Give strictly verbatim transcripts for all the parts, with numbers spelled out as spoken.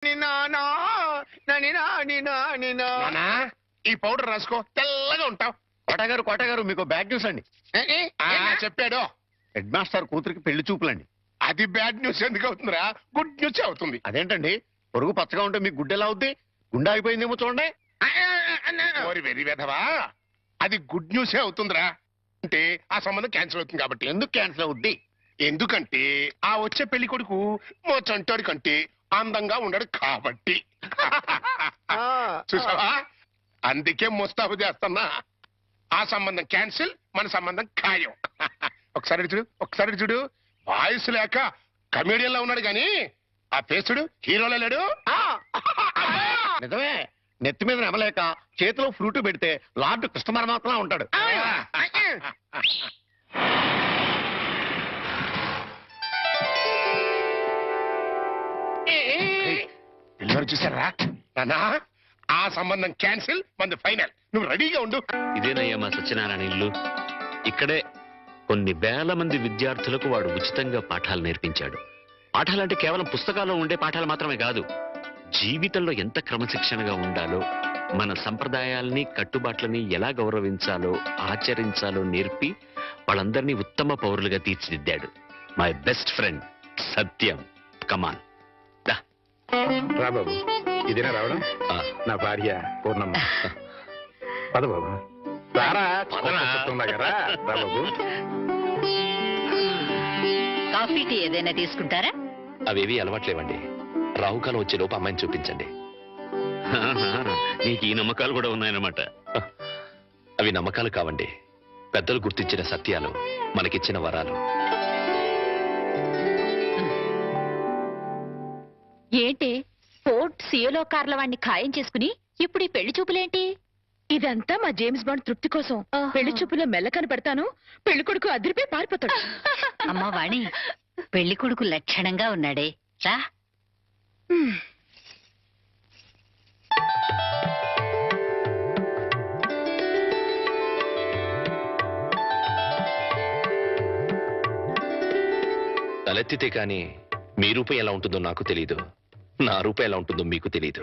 నాని నానా నని నాని నాని నానా ఈ పౌడర్ రాసుకో తెల్లగా ఉంటావు. కోటగారు కోటగారు మీకు బ్యాడ్ న్యూస్ అండి. చెప్పాడు హెడ్ మాస్టర్ కూతురికి పెళ్లి చూపులండి. అది బ్యాడ్ న్యూస్ ఎందుకు అవుతుందిరా? గుడ్ న్యూస్ అవుతుంది. అదేంటండి పొరుగు పచ్చగా ఉంటే మీకు గుడ్డ ఎలా అవుద్ది? గుండె అయిపోయిందేమో చూడండి. వెరీ వెధవా, అది గుడ్ న్యూసే అవుతుందిరా. అంటే ఆ సంబంధం క్యాన్సిల్ అవుతుంది కాబట్టి. ఎందుకు క్యాన్సిల్ అవుద్ది? ఎందుకంటే ఆ వచ్చే పెళ్లి కొడుకు మా చంటాడు కంటే అందంగా ఉండడు కాబట్టి. చూసావా, అందుకే ముస్తాబు చేస్తున్నా. ఆ సంబంధం క్యాన్సిల్, మన సంబంధం ఖాయం. ఒకసారి చూడు, ఒకసారి చూడు. వాయిస్ లేక కమేడియన్ లా ఉన్నాడు గాని ఆ పేసుడు హీరోలో లేడు. నిజమే, నెత్తి మీద నెమలేక చేతిలో ఫ్రూట్ పెడితే లార్డ్ కృష్ణ పరమాత్మ ఉంటాడు. పిల్లలు చూసారా నానా? ఆ సంబంధం క్యాన్సిల్, మంది ఫైనల్. నువ్వు రెడీగా ఉండు. ఇదేనయ్యా మా సత్యనారాయణ ఇల్లు. ఇక్కడే కొన్ని వేల మంది విద్యార్థులకు వాడు ఉచితంగా పాఠాలు నేర్పించాడు. పాఠాలంటే కేవలం పుస్తకాల్లో ఉండే పాఠాలు మాత్రమే కాదు, జీవితంలో ఎంత క్రమశిక్షణగా ఉండాలో, మన సంప్రదాయాల్ని కట్టుబాట్లని ఎలా గౌరవించాలో ఆచరించాలో నేర్పి వాళ్ళందరినీ ఉత్తమ పౌరులుగా తీర్చిదిద్దాడు. My best friend Satyam. Come on రా బాబు, ఇదేనా రావడం? నా భార్య పూర్ణమ్మ. పద బాబు, రా బాబు. కాఫీ టీ ఏదైనా తీసుకుంటారా? అవేవి అలవాట్లేవండి. రాహుకాలం వచ్చే లోపు అమ్మాయిని చూపించండి. నీకు ఈ నమ్మకాలు కూడా ఉన్నాయన్నమాట. అవి నమ్మకాలు కావండి, పెద్దలు గుర్తించిన సత్యాలు, మనకిచ్చిన వరాలు. ఏంటి ఫోర్ట్ సియోలో కార్ల వాడిని ఖాయం చేసుకుని ఇప్పుడు ఈ పెళ్లి చూపులేంటి? ఇదంతా మా జేమ్స్ బాండ్ తృప్తి కోసం. పెళ్లి చూపులో మెల్ల కనపడతాను, పెళ్లి కొడుకు అదిరిపై పారిపోతాడు. అమ్మా వాణి, పెళ్లి కొడుకు లక్షణంగా ఉన్నాడే, రా. తలెత్తితే కాని మీ రూపం ఎలా ఉంటుందో నాకు తెలీదు, నా రూపం ఎలా ఉంటుందో మీకు తెలీదు.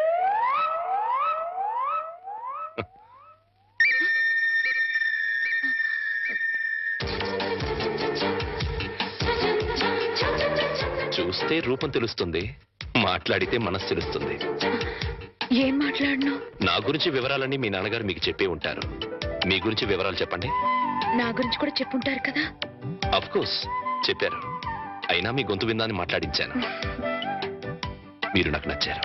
చూస్తే రూపం తెలుస్తుంది, మాట్లాడితే మనసు తెలుస్తుంది. ఏం మాట్లాడను? నా గురించి వివరాలన్నీ మీ నాన్నగారు మీకు చెప్పే ఉంటారు. మీ గురించి వివరాలు చెప్పండి. నా గురించి కూడా చెప్పుంటారు కదా? అఫ్ కోర్స్ చెప్పారు, అయినా మీ గొంతు విందాన్ని మాట్లాడించాను. మీరు నాకు నచ్చారు.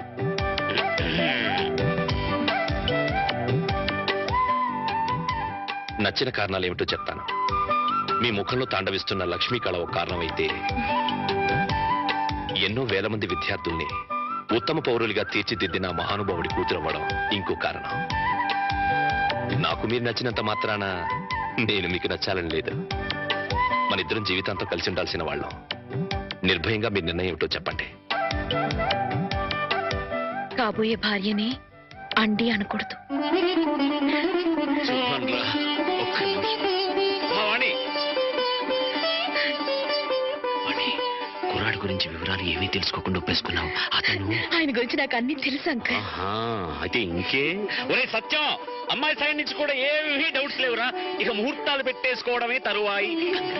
నచ్చిన కారణాలు ఏమిటో చెప్తాను. మీ ముఖంలో తాండవిస్తున్న లక్ష్మీ కళ ఒక కారణమైతే, ఎన్నో వేల మంది విద్యార్థుల్ని ఉత్తమ పౌరులుగా తీర్చిదిద్దిన మహానుభావుడి కూతురవ్వడం ఇంకో కారణం. నాకు మీరు నచ్చినంత మాత్రాన నేను మీకు నచ్చాలని లేదు. మన ఇద్దరం జీవితాంతం కలిసి ఉండాల్సిన వాళ్ళం. నిర్భయంగా మీ నిర్ణయం ఏమిటో చెప్పండి. కాబోయే భార్యని అండి అనకూడదు. కుర్రాడి గురించి వివరాలు ఏమీ తెలుసుకోకుండా ఒప్పేసుకున్నావు. అతను ఆయన గురించి నాకు అన్ని తెలుసు అంకల్. అయితే ఇంకే. ఒరే సత్యం, అమ్మాయి సైడ్ నుంచి కూడా ఏమీ డౌట్స్ లేవురా. ఇక ముహూర్తాలు పెట్టేసుకోవడమే తరువాయి.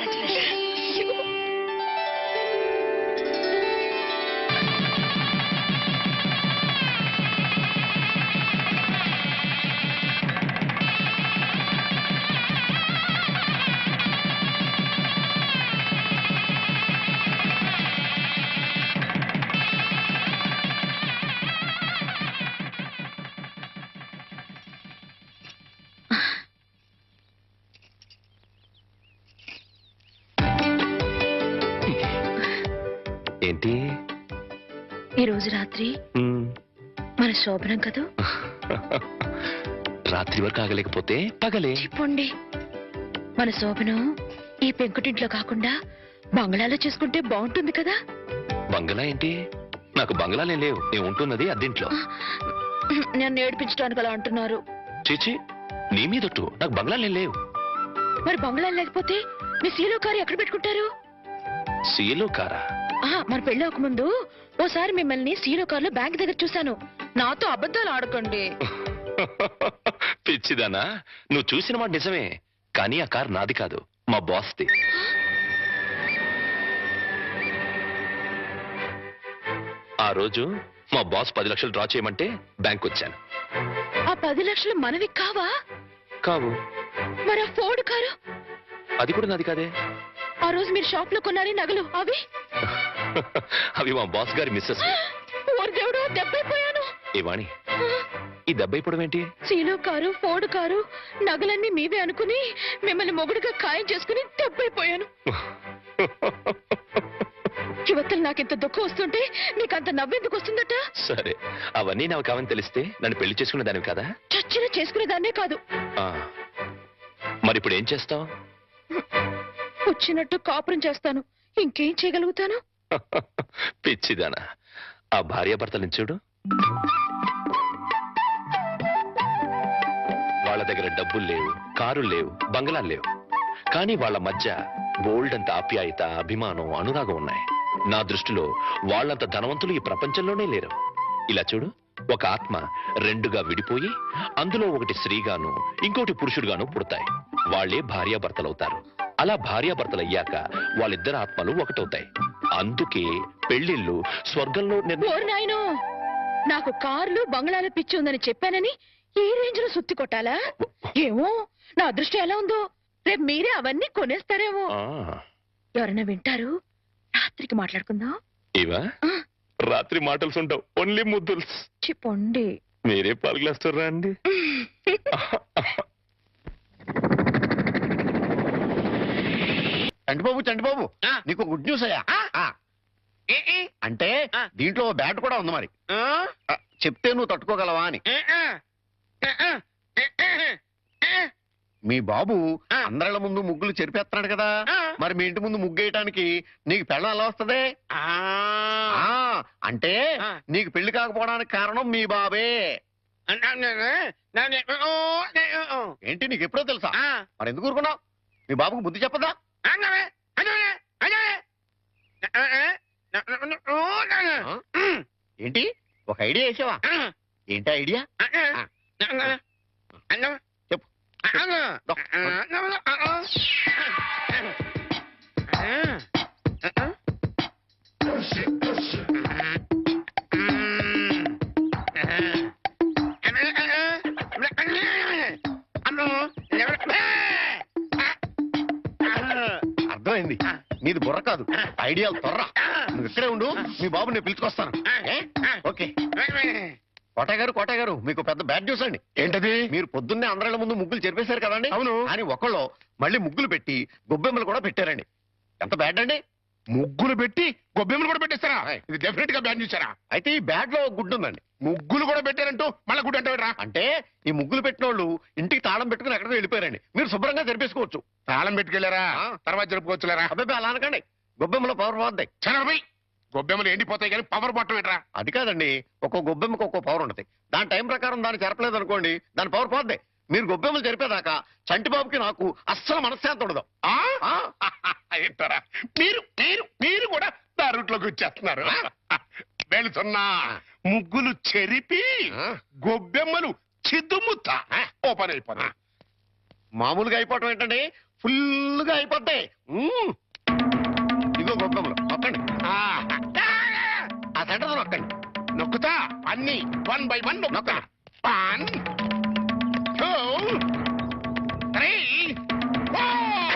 ఏంటి ఈ రోజు రాత్రి మన శోభనం కదా? రాత్రి వరకు ఆగలేకపోతే పగలే చెప్పండి. మన శోభనం ఈ పెంకుటింట్లో కాకుండా బంగ్లాలో చేసుకుంటే బాగుంటుంది కదా? బంగ్లా ఏంటి? నాకు బంగ్లాలే లేవు. నేను ఉంటున్నది అద్దెంట్లో. నన్ను ఏడిపించడానికి అలా అంటున్నారు. చీచి, నీ మీదొట్టు. నాకు బంగ్లాలే లేవు. మరి బంగ్లా లేకపోతే మీ సీలో కారు ఎక్కడ పెట్టుకుంటారు? సీలో కారా? మన పెళ్లి ఒక ముందు ఓసారి మిమ్మల్ని సీలో కార్లో బ్యాంక్ దగ్గర చూశాను. నాతో అబద్ధాలు ఆడకండి. పిచ్చిదానా, నువ్వు చూసిన మాట నిజమే, కానీ ఆ కార్ నాది కాదు, మా బాస్ది. ఆ రోజు మా బాస్ పది లక్షలు డ్రా చేయమంటే బ్యాంక్ వచ్చాను. ఆ పది లక్షలు మనవి కావా? కావు. మరి ఆ ఫోర్డ్ కారు? అది కూడా నాది కాదే. ఆ రోజు మీరు షాప్ లో కొన్నారే నగలు అవి? అవి మా బాస్ గారి మిస్సెస్. ఓరి దేవుడు, దెబ్బైపోయాను. ఏ వాణి, ఈ దెబ్బ ఇప్పుడు ఏంటి? సీలో కారు, ఫోర్డ్ కారు, నగలన్నీ మీవే అనుకుని మిమ్మల్ని మొగుడుగా ఖాయం చేసుకుని దెబ్బైపోయాను. యువతలు నాకింత దుఃఖం వస్తుంటే నీకంత నవ్వెందుకు వస్తుందట? సరే, అవన్నీ నాకు కావని తెలిస్తే నన్ను పెళ్లి చేసుకునే దానివి కదా? చచ్చిన చేసుకునేదాన్నే కాదు. ఆ, మరి ఇప్పుడు ఏం చేస్తావు? వచ్చినట్టు కాపురం చేస్తాను. ఇంకేం చేయగలుగుతాను? పిచ్చిదానా, ఆ భార్యాభర్తలను చూడు. వాళ్ళ దగ్గర డబ్బులు లేవు, కారులు లేవు, బంగళాలు లేవు, కానీ వాళ్ళ మధ్య బోల్డ్ అంత ఆప్యాయత, అభిమానం, అనురాగం ఉన్నాయి. నా దృష్టిలో వాళ్ళంత ధనవంతులు ఈ ప్రపంచంలోనే లేరు. ఇలా చూడు, ఒక ఆత్మ రెండుగా విడిపోయి అందులో ఒకటి స్త్రీగాను ఇంకోటి పురుషుడుగాను పుడతాయి. వాళ్లే భార్యాభర్తలవుతారు. అలా భార్యాభర్తలు అయ్యాక వాళ్ళిద్దరు ఆత్మలు ఒకటవుతాయి. అందుకే పెళ్లిళ్ళు స్వర్గంలో నిర్ణ- ఓరి నాయనో, నాకు కార్లు బంగ్లాలు పిచ్చి ఉందని చెప్పానని ఈ రేంజ్ లో సుత్తి కొట్టాలా? ఏమో, నా అదృష్టం ఎలా ఉందో. రేపు మీరే అవన్నీ కొనేస్తారేమో. ఆ, ఎవరైనా వింటారు? రాత్రికి మాట్లాడుకుందాం. ఇవా రాత్రి మాటలు ఉండవు, ఓన్లీ ముద్దుల్స్. చెప్పండి. మీరే పలుగులేస్తారా అండి? చంటిబాబు చంటిబాబు, నీకు గుడ్ న్యూస్ అయ్యా. ఆ, అంటే దీంట్లో బ్యాట్ కూడా ఉంది. మరి ఆ, చెప్తే నువ్వు తట్టుకోగలవా అని. మీ బాబు అందరిళ్ళ ముందు ముగ్గులు చెరిపేస్తున్నాడు కదా, మరి మీ ఇంటి ముందు ముగ్గు వేయటానికి నీకు పెళ్ళం ఎలా వస్తుంది? ఆ, అంటే నీకు పెళ్లి కాకపోవడానికి కారణం మీ బాబే. ఏంటి, నీకు ఎప్పుడో తెలుసా? మరి ఎందుకు ఊరుకున్నావు? మీ బాబుకు బుద్ధి చెప్పదా? ఏంటి, ఒక ఐడియా వేసావా? ఏంటి ఐడియా? చెప్పు. అర్థమైంది, నీది బుర్ర కాదు, ఐడియాలు తొర్ర. నువ్వు ఇక్కడే ఉండు, మీ బాబు నేను పిలుచుకొస్తాను. ఏ? ఓకే. కోటయ్య గారు, కోటయ్య గారు, మీకు పెద్ద బ్యాడ్ న్యూస్ అండి. ఏంటది? మీరు పొద్దున్నే అందరిళ్ళ ముందు ముగ్గులు చెరిపేశారు కదండి. అవును. అని ఒకళ్ళు మళ్ళీ ముగ్గులు పెట్టి గొబ్బెమ్మలు కూడా పెట్టారండి. ఎంత బ్యాడ్ అండి? ముగ్గులు పెట్టి గొబ్బెమ్మలు కూడా పెట్టేస్తారా? ఇది డెఫినెట్ గా బ్యాన్ చూసారా? అయితే ఈ బ్యాడ్ లో గుడ్ ఉందండి. ముగ్గులు కూడా పెట్టారంటూ మళ్ళా గుడ్ అంటారా? అంటే ఈ ముగ్గులు పెట్టిన వాళ్ళు ఇంటికి తాళం పెట్టుకుని ఎక్కడికో వెళ్ళిపోయారండి. మీరు శుభ్రంగా జరిపేసుకోవచ్చు. తాళం పెట్టుకెళ్లారా? ఆ. తర్వాత జరుపుకోవచ్చులేరా? అబ్బాయి అలా అనకండి, గొబ్బెమ్మలో పవర్ పోద్దాయి. చనబై గొబ్బెమ్మలు ఎండిపోతాయి కానీ పవర్ బట్టం ఏంట్రా? అది కాదండి, ఒక్కో గొబ్బెమ్మకు ఒక్కో పవర్ ఉంటుంది. దాని టైం ప్రకారం దాన్ని చెరపలేదు అనుకోండి, దాని పవర్ పోద్ది. మీరు గొబ్బెమ్మలు జరిపేదాకా చంటిబాబుకి నాకు అస్సలు మనశ్శాంతి ఉండదు. ఆ? ఆ? ఏంటారా మీరు మీరు మీరు కూడా నా రూట్లోకి వచ్చేస్తున్నారు. వెళుతున్నా ముగ్గులు చెరిపి గొబ్బెమ్మలు చిద్దుముత్త ఓపెన్ అయిపోతా. మామూలుగా అయిపోవటం ఏంటండి, ఫుల్గా అయిపోతాయి. మ్మ్. ఇదిగో గొబ్బెమ్మలు నొక్కండి, ఆ, ఆ సెంటర్ నొక్కండి. నొక్కుతా అన్ని వన్ బై వన్ నొక్కుతా. One two three four.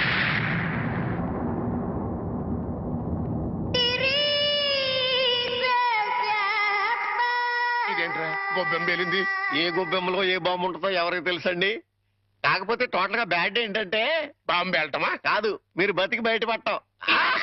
ఇదేంట్రా గొబ్బెమ్మ పేలింది? ఏ గొబ్బెమ్మలో ఏ బాంబు ఉంటుందో ఎవరికి తెలుసండి. కాకపోతే టోటల్ గా బ్యాడ్ ఏంటంటే బాంబు వెళ్ళటమా? కాదు, మీరు బతికి బయటపడటం.